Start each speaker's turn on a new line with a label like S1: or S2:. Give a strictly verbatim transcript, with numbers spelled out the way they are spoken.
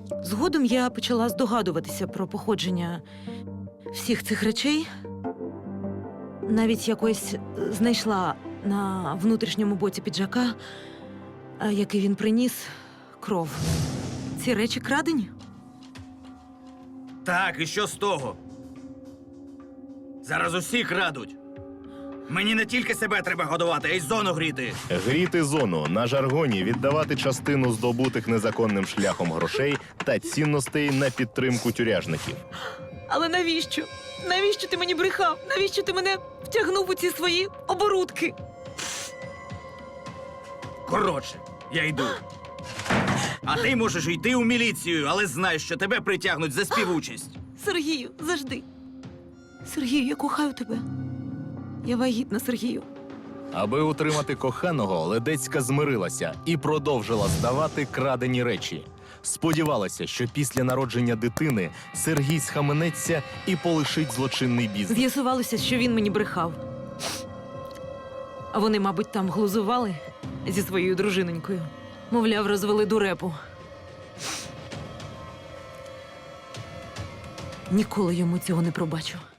S1: Згодом я почала здогадуватися про походження всіх цих речей. Навіть якось знайшла на внутрішньому боці піджака, а, який він приніс, кров. Ці речі крадені?
S2: Так, і що з того? Зараз усі крадуть. Мені не тільки себе треба годувати, а й зону гріти.
S3: Гріти зону на жаргоні віддавати частину здобутих незаконним шляхом грошей та цінностей на підтримку тюряжників.
S1: Але навіщо? Навіщо ти мені брехав? Навіщо ти мене втягнув у ці свої оборудки?
S2: Коротше, я йду. А ти можеш йти у міліцію, але знай, що тебе притягнуть за співучасть.
S1: Сергію, завжди. Сергію, я кохаю тебе. Я вагітна, Сергію.
S3: Аби утримати коханого, Ледецька змирилася і продовжила здавати крадені речі. Сподівалася, що після народження дитини Сергій схаменеться і полишить злочинний бізнес.
S1: З'ясувалося, що він мені брехав. А вони, мабуть, там глузували зі своєю дружинонькою. Мовляв, розвели дурепу. Ніколи йому цього не пробачу.